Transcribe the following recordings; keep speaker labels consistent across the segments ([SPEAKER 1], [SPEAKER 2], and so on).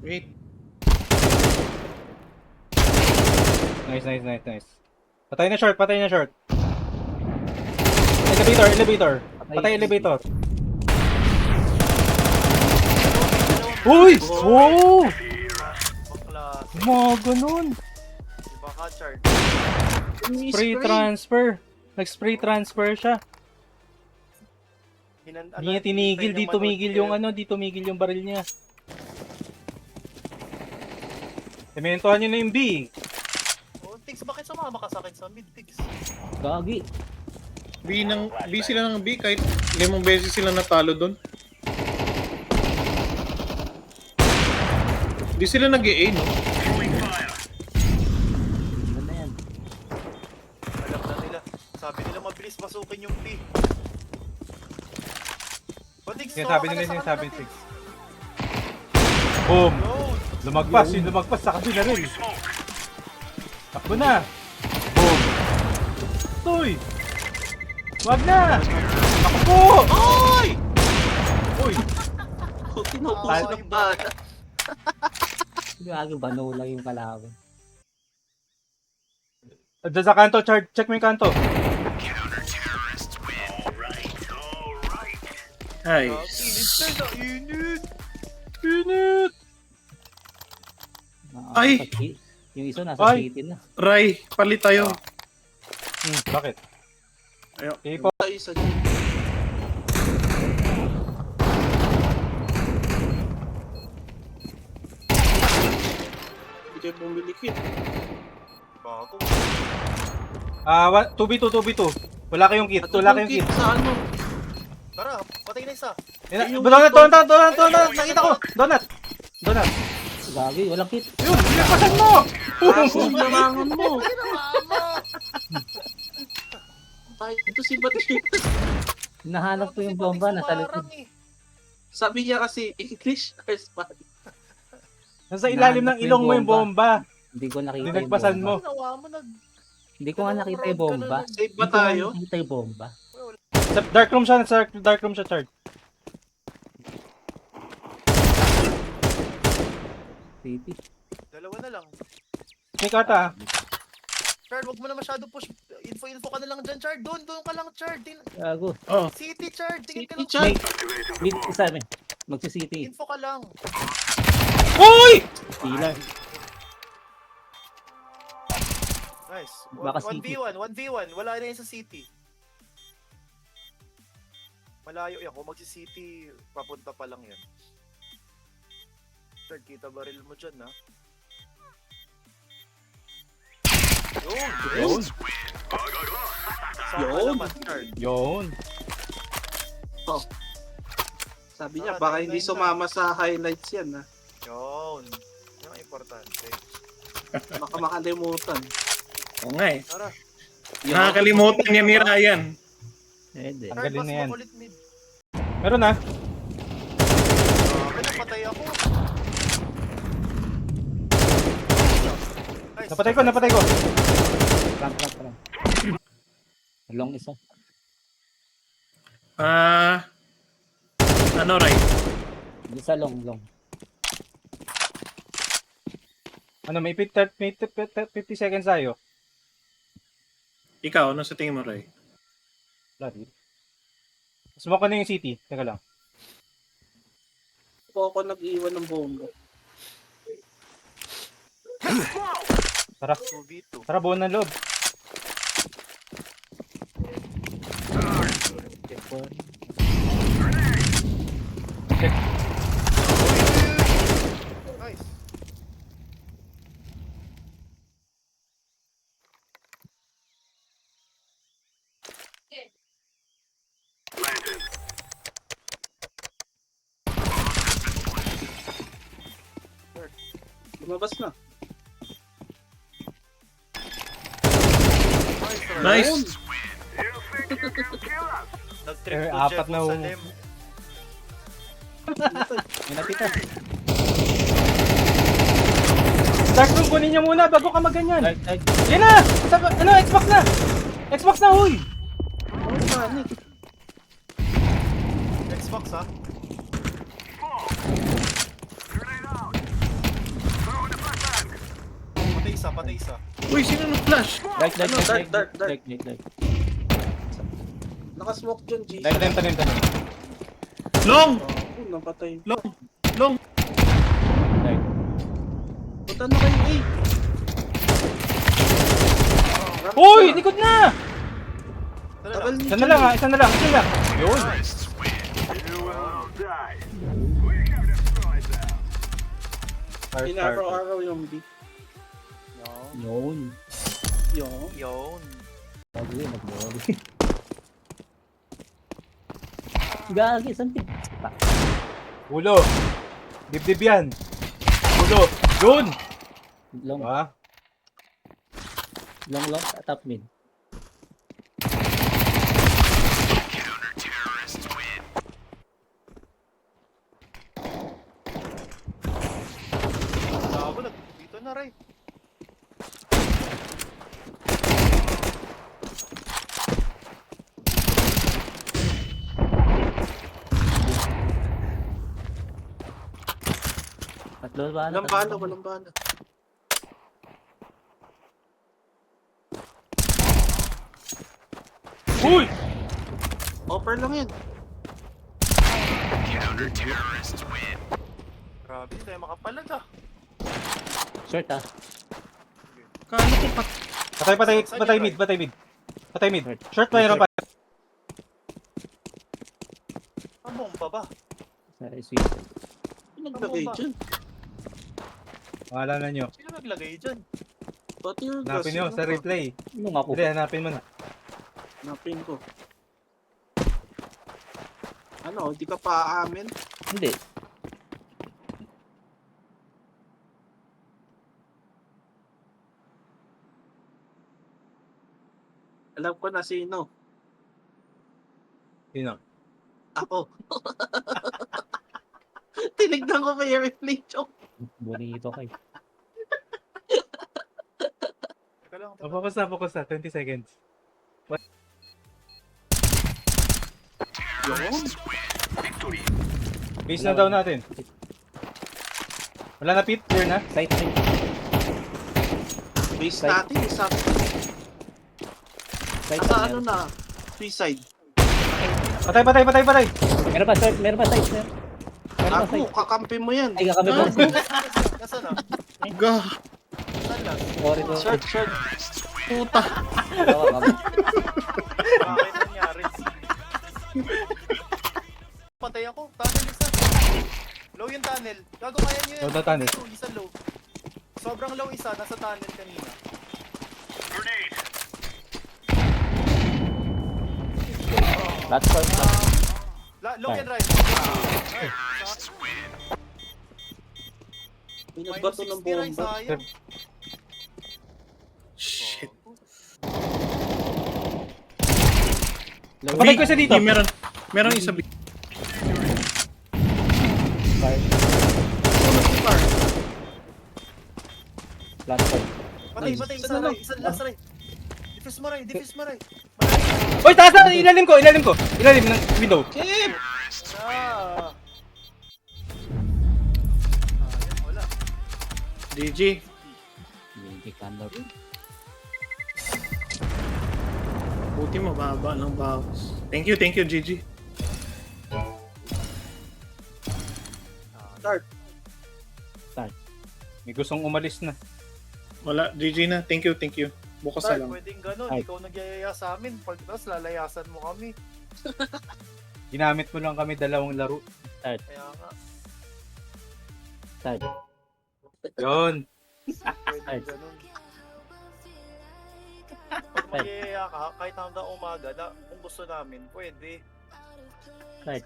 [SPEAKER 1] Wait.
[SPEAKER 2] Nice. Patay na short. Elevator. Patay elevator. Uy! Wow!
[SPEAKER 3] Bakla.
[SPEAKER 2] Mga ganun.
[SPEAKER 3] Iba ka, Chard.
[SPEAKER 2] Spray transfer. Nag-spray transfer siya. Hindi niya tinigil. Di tumigil yung di tumigil yung baril niya. Sementohan niyo na yung B.
[SPEAKER 3] Oh, Tigs, bakit sumama ka sa akin sa mid, Tigs?
[SPEAKER 4] Gagi.
[SPEAKER 1] B sila ng B kahit 5 beses sila natalo doon. Di sila nag-A, no?
[SPEAKER 4] Ano na yan?
[SPEAKER 3] Alam na nila. Sabi nila mabilis masukin yung B. Oh, Tigs,
[SPEAKER 2] Sinasabi
[SPEAKER 3] tawa ka
[SPEAKER 2] nila
[SPEAKER 3] na sa
[SPEAKER 2] sinasabi
[SPEAKER 3] kanila,
[SPEAKER 2] Tigs. Boom!
[SPEAKER 3] Yo!
[SPEAKER 2] Lumagpas sa kabila rin. Takbo na! Boom! Uy! Wag na! Takbo!
[SPEAKER 3] Oy!
[SPEAKER 2] Uy!
[SPEAKER 4] Tinupos ng bata. Gagi, bano lang yung kalaban.
[SPEAKER 2] Diyan sa kanto, Chard. Check mo yung kanto.
[SPEAKER 1] Ay.
[SPEAKER 3] Init sir na, init!
[SPEAKER 2] Init!
[SPEAKER 1] Ay!
[SPEAKER 4] Yung isa nasa
[SPEAKER 2] Ay!
[SPEAKER 4] city na.
[SPEAKER 1] Ray, palit tayo.
[SPEAKER 2] Bakit?
[SPEAKER 1] Ayo.
[SPEAKER 2] Okay po.
[SPEAKER 5] Tayo sa Hindi kayo bumili kit.
[SPEAKER 3] Bago.
[SPEAKER 2] 2v2. Wala kayong kit. Wala kayong kit.
[SPEAKER 5] Sa ano?
[SPEAKER 3] Tara, patay na isa.
[SPEAKER 2] Donut! Nakita ko! Donut!
[SPEAKER 4] Gagi, walang kit.
[SPEAKER 2] Yun! Pinapasan mo!
[SPEAKER 5] Ang larangan mo.
[SPEAKER 3] Mama!
[SPEAKER 5] Tayo, ito si Batri.
[SPEAKER 4] Hinahanap ko yung bomba, nasa likod.
[SPEAKER 5] Sabi niya kasi, English or Spanish.
[SPEAKER 2] Nasa ilalim ng ilong mo yung bomba.
[SPEAKER 4] Hindi ko nakita yung
[SPEAKER 2] Dinagpasan
[SPEAKER 4] bomba.
[SPEAKER 2] mo.
[SPEAKER 3] Ginawa mo
[SPEAKER 4] Hindi ko nga nakita yung bomba.
[SPEAKER 5] Save ba tayo?
[SPEAKER 4] Hindi ko nakita yung bomba.
[SPEAKER 2] Sa dark room siya, Chard.
[SPEAKER 4] City.
[SPEAKER 3] Dalawa na lang.
[SPEAKER 2] Sneak ata.
[SPEAKER 3] Chard, wag mo na masyado push. Info ka na lang dyan, Chard. Doon ka lang, Chard.
[SPEAKER 4] Gago.
[SPEAKER 1] Oh.
[SPEAKER 3] City, Chard. Tingin ka lang.
[SPEAKER 5] Chat.
[SPEAKER 4] Mid, isa rin. Magsi-city.
[SPEAKER 3] Info ka lang.
[SPEAKER 2] Uy!
[SPEAKER 4] Pilar.
[SPEAKER 3] Nice.
[SPEAKER 4] Baka city.
[SPEAKER 3] 1v1. Wala na yun sa city. Malayo yan. Kung magsi-city, papunta pa lang yan. Chard, kita baril mo dyan, ha? Yun! Saan ka
[SPEAKER 5] Yun.
[SPEAKER 3] naman, Chard?
[SPEAKER 2] Yun.
[SPEAKER 5] Sabi niya, baka hindi sumama sa highlights yan ha.
[SPEAKER 3] Yun. Yan ang importante.
[SPEAKER 5] Baka makalimutan.
[SPEAKER 1] Oo nga eh.
[SPEAKER 3] Tara.
[SPEAKER 1] Nakakalimutan niya ni Ryan.
[SPEAKER 4] Pwede.
[SPEAKER 2] Ang
[SPEAKER 3] Chard,
[SPEAKER 2] galing
[SPEAKER 3] mas
[SPEAKER 2] na yan.
[SPEAKER 3] makulit mid.
[SPEAKER 2] Meron na.
[SPEAKER 3] Napatay ako. Nice.
[SPEAKER 2] Napatay ko.
[SPEAKER 4] Prank. Long isa.
[SPEAKER 1] Ano, Ray?
[SPEAKER 4] Isa long.
[SPEAKER 2] Ano, may 50 seconds tayo.
[SPEAKER 1] Ikaw, ano sa tingin mo, Ray?
[SPEAKER 2] Bloody. Smoke ko na yung city. Teka lang.
[SPEAKER 5] Po ako nag-iwan ng bomba.
[SPEAKER 2] Tara.
[SPEAKER 3] 2v2.
[SPEAKER 2] Tara, buo ng loob. Check.
[SPEAKER 3] Nice.
[SPEAKER 5] Lumabas na.
[SPEAKER 1] Nice!
[SPEAKER 3] Nag-trip
[SPEAKER 2] Eh,
[SPEAKER 3] to
[SPEAKER 2] apat na
[SPEAKER 3] Jerusalem.
[SPEAKER 4] May nakita.
[SPEAKER 2] Dark room, kunin niya muna bago ka magganyan.
[SPEAKER 4] Dark.
[SPEAKER 2] Yan na! Xbox na! Xbox na, huy!
[SPEAKER 5] Oh, panic.
[SPEAKER 3] Xbox, ha? patay isa.
[SPEAKER 1] Uy, sino nag-flash?
[SPEAKER 4] Dark.
[SPEAKER 5] Nakasmoke dyan, G.
[SPEAKER 2] Tanim.
[SPEAKER 1] Long!
[SPEAKER 5] Oh, napatay.
[SPEAKER 1] Long!
[SPEAKER 5] Punta na kayo, eh.
[SPEAKER 2] Uy! Likod na!
[SPEAKER 3] Tara
[SPEAKER 5] Tagal
[SPEAKER 3] lang.
[SPEAKER 5] ni
[SPEAKER 2] Isa na lang ha, isa na lang. Yun.
[SPEAKER 5] Inaraw-araw yung B.
[SPEAKER 3] Yun.
[SPEAKER 4] Yun.
[SPEAKER 5] Yo.
[SPEAKER 3] Yun.
[SPEAKER 4] Bago yun, nag-volley. Gagi, saan pin?
[SPEAKER 2] Ulo. Dibdib yan. Ulo. Yun!
[SPEAKER 4] Long,
[SPEAKER 2] Ah,
[SPEAKER 4] long, top mid.
[SPEAKER 3] Gago, dito na, Ray.
[SPEAKER 4] Tatlo ba?
[SPEAKER 5] Walang bala, walang bala.
[SPEAKER 2] uy!
[SPEAKER 5] Offer lang yan.
[SPEAKER 3] Grabe, tayo makapalag ah.
[SPEAKER 4] Short ah.
[SPEAKER 1] Kala ko pat...
[SPEAKER 2] Patay mid. Patay mid. Short mayroon pa.
[SPEAKER 3] Ang bomba ba?
[SPEAKER 4] Sa Swiss.
[SPEAKER 5] Naglagay dyan.
[SPEAKER 2] Pangalanan nyo.
[SPEAKER 3] Sino naglagay dyan?
[SPEAKER 5] Pati yung gas.
[SPEAKER 2] Hanapin nyo sa replay.
[SPEAKER 4] Nung ako.
[SPEAKER 2] Hindi, hanapin mo na.
[SPEAKER 5] Hanapin ko. Ano, di ka pa aamin?
[SPEAKER 4] Hindi.
[SPEAKER 5] Alam ko na sino.
[SPEAKER 2] Sino?
[SPEAKER 5] Ako. Tinignan ko pa yung replay, joke.
[SPEAKER 4] Bonito kay.
[SPEAKER 3] Teka lang, teka.
[SPEAKER 2] Focus na. 20 seconds.
[SPEAKER 5] Yun.
[SPEAKER 2] Base na daw natin. Wala na pit? Clear na?
[SPEAKER 4] Side.
[SPEAKER 5] Base
[SPEAKER 4] Side.
[SPEAKER 5] natin, isa.
[SPEAKER 4] Side.
[SPEAKER 5] Asa ano na? Suicide.
[SPEAKER 2] Patay!
[SPEAKER 4] Meron pa side. Meron pa side.
[SPEAKER 5] Ako, kakampi mo yan.
[SPEAKER 4] Ay, kami po.
[SPEAKER 3] Nasaan na?
[SPEAKER 1] Ga!
[SPEAKER 3] Saan last?
[SPEAKER 4] Sorry to.
[SPEAKER 5] Short.
[SPEAKER 1] Puta!
[SPEAKER 3] Bakit nangyari? Patay ako. Tunnel isa. Low yung tunnel. Gago kaya nyo yan.
[SPEAKER 2] Low na tunnel.
[SPEAKER 3] Isa low. Sobrang low isa. Nasa tunnel kanina.
[SPEAKER 4] Last point.
[SPEAKER 3] Low and right.
[SPEAKER 5] Pinagbato ng bomba.
[SPEAKER 3] Sayang.
[SPEAKER 1] Shit.
[SPEAKER 2] Patay ko isa dito.
[SPEAKER 1] Meron isa B.
[SPEAKER 4] Last point.
[SPEAKER 3] Patay.
[SPEAKER 5] Isa
[SPEAKER 3] Isa
[SPEAKER 5] na
[SPEAKER 3] Ray.
[SPEAKER 5] lang.
[SPEAKER 3] Isa last Ray. Defuse mo Ray.
[SPEAKER 2] Uy, taas na! Ilalim ko! Ilalim ng window.
[SPEAKER 5] Kim!
[SPEAKER 3] Ah. Wala.
[SPEAKER 1] GG.
[SPEAKER 4] Hindi kanda.
[SPEAKER 1] Buti mababa ng bawas. Thank you, GG.
[SPEAKER 5] Start.
[SPEAKER 2] May gustong umalis na.
[SPEAKER 1] Wala, GG na. Thank you. Bukas na
[SPEAKER 3] Start,
[SPEAKER 1] lang.
[SPEAKER 3] pwedeng ganun.
[SPEAKER 4] Ay.
[SPEAKER 3] Ikaw nagyayaya sa amin. Pag tapos lalayasan mo kami.
[SPEAKER 2] Ginamit mo lang kami dalawang laro.
[SPEAKER 3] Kaya nga.
[SPEAKER 4] Side.
[SPEAKER 2] Yun.
[SPEAKER 3] Pwedeng
[SPEAKER 4] Ay.
[SPEAKER 3] ganun. Pag magyayaya ka, kahit hanggang umaga, na, kung gusto namin, pwede.
[SPEAKER 4] Side.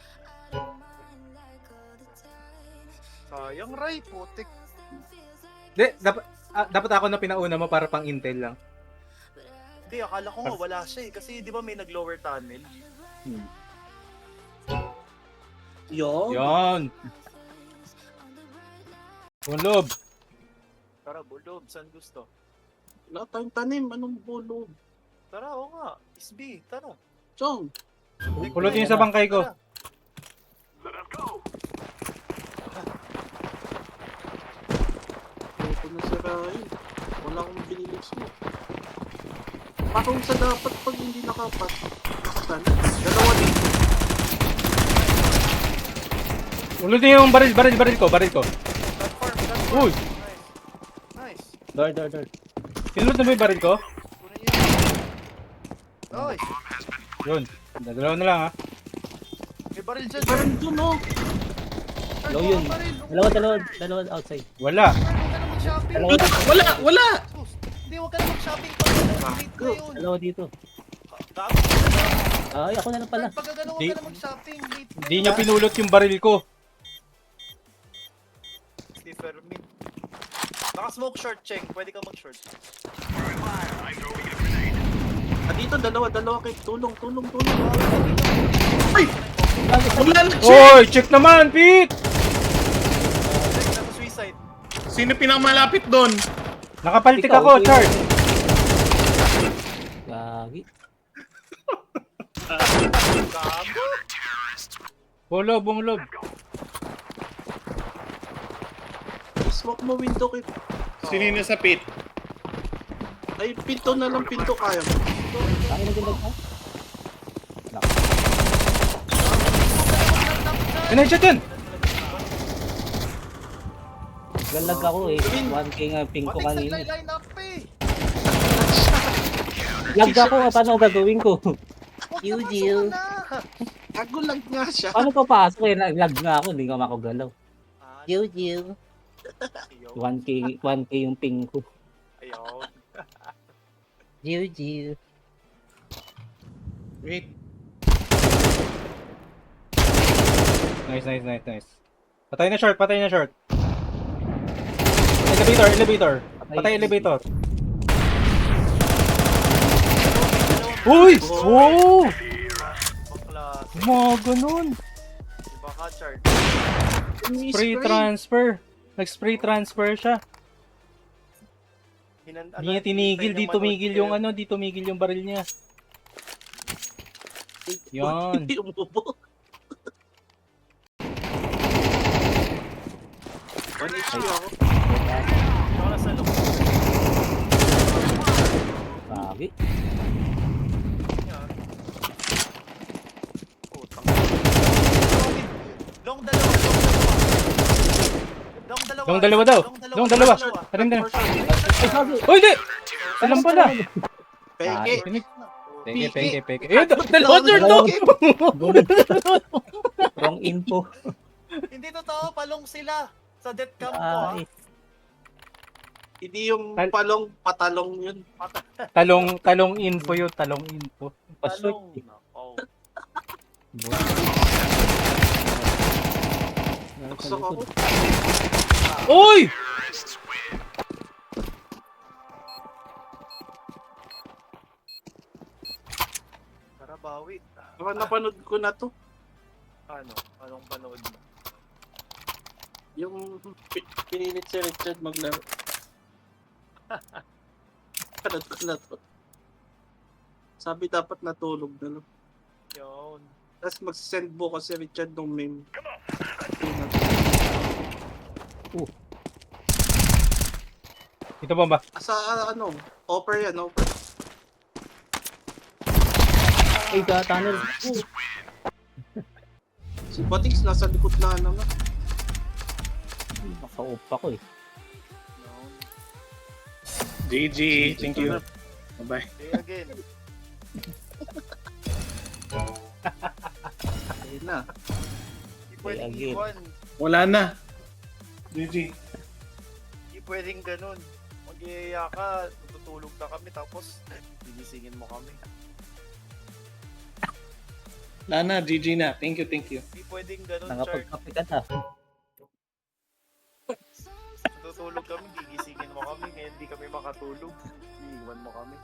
[SPEAKER 3] Sayang, Ray, putik.
[SPEAKER 2] Di, dapat ako na pinauna mo para pang intel lang.
[SPEAKER 3] Hindi, akala ko nga wala siya eh. Kasi di ba may nag-lower tunnel?
[SPEAKER 5] Yo.
[SPEAKER 2] Yun. Tulob.
[SPEAKER 3] Tara, Bulob, saan gusto?
[SPEAKER 5] Wala tayong tanim. Anong bulog?
[SPEAKER 3] Tara, oo nga. Isbi, tara.
[SPEAKER 5] Chong.
[SPEAKER 2] Pulutin yung sa bangkay ko.
[SPEAKER 3] Tara.
[SPEAKER 5] Ito na si Ryan. Wala akong binilig smoke. Parang sa dapat pag hindi nakapat. Nakatan. Dalawa dito.
[SPEAKER 2] Ulod niyo yung baril ko.
[SPEAKER 3] Platform.
[SPEAKER 2] Uy!
[SPEAKER 3] Nice.
[SPEAKER 4] Door.
[SPEAKER 2] Pinulot na ba yung baril ko?
[SPEAKER 3] Kunin niyo yun. Oy,
[SPEAKER 2] Yun. Dalawa na lang ha.
[SPEAKER 3] may baril dyan.
[SPEAKER 5] Parang dun oh.
[SPEAKER 3] Chard,
[SPEAKER 4] Low
[SPEAKER 3] baka
[SPEAKER 4] yun.
[SPEAKER 3] baril.
[SPEAKER 4] Dalawa outside.
[SPEAKER 2] Wala.
[SPEAKER 3] Chard, huwag ka na mag-shopping.
[SPEAKER 4] Dalawa.
[SPEAKER 1] Wala!
[SPEAKER 3] Sus, hindi, huwag ka na mag-shopping pag late na yun.
[SPEAKER 4] Dalawa dito.
[SPEAKER 3] Gago.
[SPEAKER 4] Ay, ako na lang pala.
[SPEAKER 3] Pag gano'n, huwag
[SPEAKER 2] Di-
[SPEAKER 3] ka na mag-shopping. Late na
[SPEAKER 2] Hindi
[SPEAKER 3] yun.
[SPEAKER 2] niya pinulot yung baril ko.
[SPEAKER 3] Si Fermin. Naka-smoke short, Cheng. Pwede ka mag-short.
[SPEAKER 5] Dito, dalawa kay tulong.
[SPEAKER 1] Wala na, check!
[SPEAKER 2] Oy, check naman, Pete!
[SPEAKER 3] Cheng, naka-suicide.
[SPEAKER 1] Sino pinakamalapit doon?
[SPEAKER 2] Nakapaltik
[SPEAKER 4] Ikaw,
[SPEAKER 2] ako,
[SPEAKER 4] ikaw.
[SPEAKER 2] Chard.
[SPEAKER 4] Gagi.
[SPEAKER 3] Gago.
[SPEAKER 2] Bumulob.
[SPEAKER 5] Smoke mo window kay...
[SPEAKER 1] Sino yun sa pit?
[SPEAKER 5] Ay, pinto na lang, pinto kaya mo.
[SPEAKER 4] Ay, nagdag ka?
[SPEAKER 2] Pinahit yan!
[SPEAKER 4] Galag ako eh. 1K nga ping ko
[SPEAKER 3] Matik sa
[SPEAKER 4] kanina.
[SPEAKER 3] line up eh.
[SPEAKER 4] Lag ako nga, paano ko gagawin ko?
[SPEAKER 3] Huwag
[SPEAKER 4] You
[SPEAKER 3] na,
[SPEAKER 4] deal.
[SPEAKER 3] pasok ka na.
[SPEAKER 5] Nagulag nga siya.
[SPEAKER 4] Paano ko pasok eh? Lag nga ako, hindi ka makagalaw.
[SPEAKER 3] Ah,
[SPEAKER 4] Jill.
[SPEAKER 3] ayaw.
[SPEAKER 4] 1K yung ping ko.
[SPEAKER 3] Ayaw.
[SPEAKER 4] Jill.
[SPEAKER 1] Wait.
[SPEAKER 2] Nice. Patay na short. Elevator. Patay elevator. Uy! Oh!
[SPEAKER 3] Bakla.
[SPEAKER 2] Mga ganun.
[SPEAKER 3] Iba ka, Chard.
[SPEAKER 2] Spray transfer. Nag-spray transfer siya. Hindi niya tinigil, di tumigil yung ano, di tumigil yung baril niya. Yan.
[SPEAKER 5] Hindi umubo. 1 HP ako.
[SPEAKER 3] Ikaw na sa loob.
[SPEAKER 4] Gagi.
[SPEAKER 3] Yan. Putang. Long dalawa.
[SPEAKER 2] Long dalawa. Tarim na.
[SPEAKER 4] Ay, gagi.
[SPEAKER 2] Uy, di! Alam pala.
[SPEAKER 5] Peke.
[SPEAKER 2] Peke. Eh, dalawa sir to!
[SPEAKER 4] Wrong info.
[SPEAKER 3] Hindi totoo, palong sila. Sa death camp ko ha.
[SPEAKER 4] Ay,
[SPEAKER 5] Hindi yung palong, patalong yun.
[SPEAKER 2] Talong info yun, talong info.
[SPEAKER 4] pasword.
[SPEAKER 3] Oh.
[SPEAKER 5] Gusto ko.
[SPEAKER 2] Uy!
[SPEAKER 3] Tara, bawi.
[SPEAKER 5] Baka napanood ko na to.
[SPEAKER 3] Ano? Anong panood mo?
[SPEAKER 5] Yung pinilit si Richard maglaro. Panood ko na to. Sabi dapat natulog na lang.
[SPEAKER 3] Yun.
[SPEAKER 5] Tapos mag-send bukas si Richard ng meme.
[SPEAKER 2] Ito ba?
[SPEAKER 5] Sa ano? Offer yan, offer.
[SPEAKER 4] Ay, tunnel.
[SPEAKER 5] Si Batix nasa likod na naman.
[SPEAKER 4] Naka-off ako eh.
[SPEAKER 3] Yun.
[SPEAKER 1] GG. Thank you. Bye-bye.
[SPEAKER 3] Say again.
[SPEAKER 5] Ayun na.
[SPEAKER 3] Hindi pwedeng
[SPEAKER 4] again.
[SPEAKER 3] iwan.
[SPEAKER 1] Wala na. GG.
[SPEAKER 3] Hindi pwedeng ganun. Mag-iaya ka, tutulog na kami, tapos gigisingin mo kami.
[SPEAKER 1] Wala na. GG na. Thank you.
[SPEAKER 3] Hindi pwedeng ganun, Chard.
[SPEAKER 4] Nakapagkape ka na.
[SPEAKER 3] Tutulog kami, gigisingin mo kami, ngayon hindi kami makatulog. Iiwan mo kami.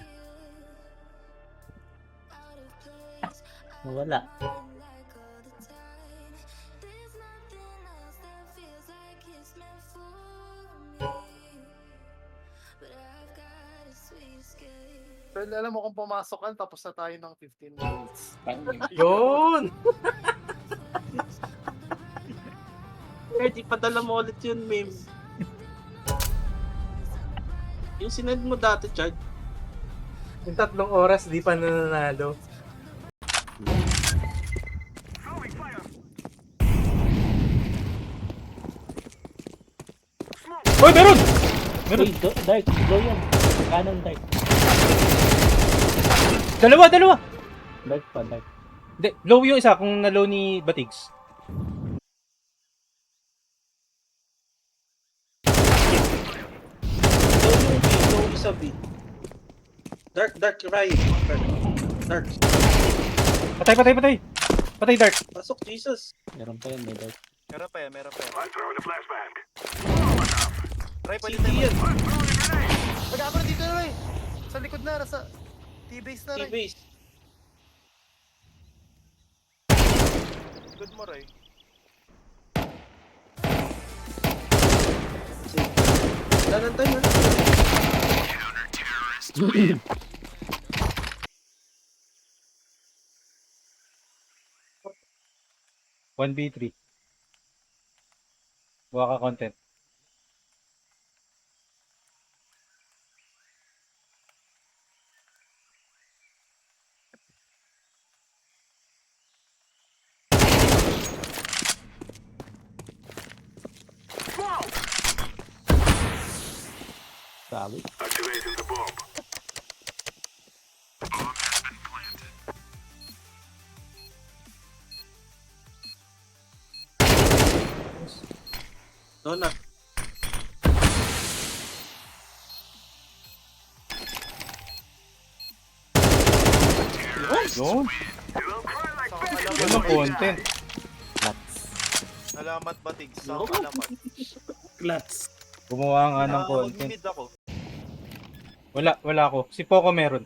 [SPEAKER 4] Wala.
[SPEAKER 3] Pero alam mo kung pumasok ka, tapos na tayo ng 15 minutes.
[SPEAKER 2] Yun!
[SPEAKER 5] Kaya di padala mo ulit yun meme. Yung sinend mo dati, Chad.
[SPEAKER 2] Yung 3 oras, di pa nananalo. Hoy, meron! Meron!
[SPEAKER 4] Uy, dark. Low yan. Kanan dark.
[SPEAKER 2] Dalawa!
[SPEAKER 4] Dark pa, dark.
[SPEAKER 2] Hindi, low yung isa kung na-low ni Batigs.
[SPEAKER 5] Low isa B. Dark, Ryan. Dark.
[SPEAKER 2] Patay! Patay, Dark.
[SPEAKER 5] Pasok, Jesus.
[SPEAKER 4] Meron pa yan, may dark.
[SPEAKER 3] Meron pa yan. Try pa
[SPEAKER 5] CD
[SPEAKER 3] din
[SPEAKER 5] yan.
[SPEAKER 3] Mag-aama na dito na Ray. Sa likod na, nasa T-base na Ray.
[SPEAKER 5] T-base.
[SPEAKER 3] Good mo Ray.
[SPEAKER 5] Danan tayo.
[SPEAKER 2] 1v3. Buha ka content.
[SPEAKER 4] Sabi.
[SPEAKER 5] Doon na.
[SPEAKER 2] Yun. Yun ang content.
[SPEAKER 3] Salamat Batig.
[SPEAKER 5] No.
[SPEAKER 3] Salamat.
[SPEAKER 5] Clats.
[SPEAKER 2] Gumawa nga ng content.
[SPEAKER 3] Mag-mid ako.
[SPEAKER 2] Wala ako. Si Poco meron.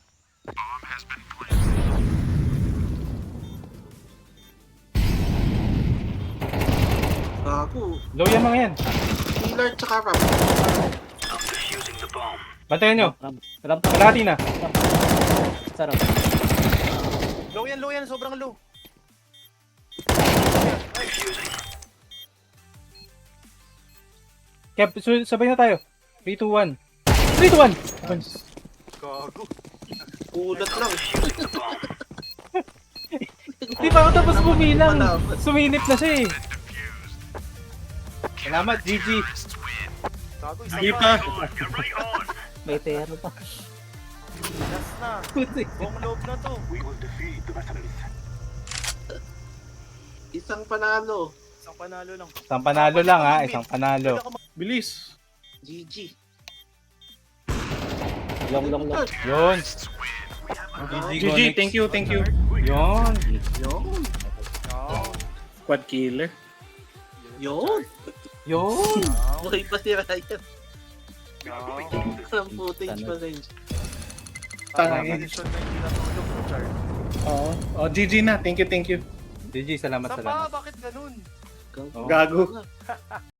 [SPEAKER 5] Gago.
[SPEAKER 2] Low yan mga yan.
[SPEAKER 5] Healer tsaka Ram.
[SPEAKER 2] Bantayan nyo.
[SPEAKER 4] Ram.
[SPEAKER 2] Kalahati na.
[SPEAKER 4] Sarap.
[SPEAKER 3] Low yan. Sobrang low.
[SPEAKER 2] Kaya sabay na tayo. 3, 2, 1. 3, 2, 1.
[SPEAKER 3] Gago.
[SPEAKER 5] Ulat lang.
[SPEAKER 2] Di pa ako tapos bumilang.
[SPEAKER 5] Malaman.
[SPEAKER 2] Suminip na siya eh. Salamat, GG.
[SPEAKER 3] Gago. Isa
[SPEAKER 1] Hindi
[SPEAKER 3] pa.
[SPEAKER 1] pa.
[SPEAKER 4] May tero pa.
[SPEAKER 3] Last na. Buong loob na to.
[SPEAKER 5] Isang panalo.
[SPEAKER 3] Isang panalo lang.
[SPEAKER 2] Isang panalo lang ha. Isang panalo.
[SPEAKER 1] Bilis.
[SPEAKER 5] GG.
[SPEAKER 4] Long.
[SPEAKER 2] Yun.
[SPEAKER 1] GG, thank you.
[SPEAKER 2] Yun.
[SPEAKER 5] Yun.
[SPEAKER 3] Oh.
[SPEAKER 1] Quad killer.
[SPEAKER 5] Yun.
[SPEAKER 2] Yun.
[SPEAKER 5] Buhay pa si Ryan.
[SPEAKER 3] Oh.
[SPEAKER 5] Ang footage pa rin.
[SPEAKER 1] Tangin.
[SPEAKER 3] Edition na hindi natulog mo, Char.
[SPEAKER 1] Oo. Oh, GG na. Thank you.
[SPEAKER 2] GG, salamat.
[SPEAKER 3] Saan pa? Bakit ganun?
[SPEAKER 5] Gago.
[SPEAKER 1] Gago.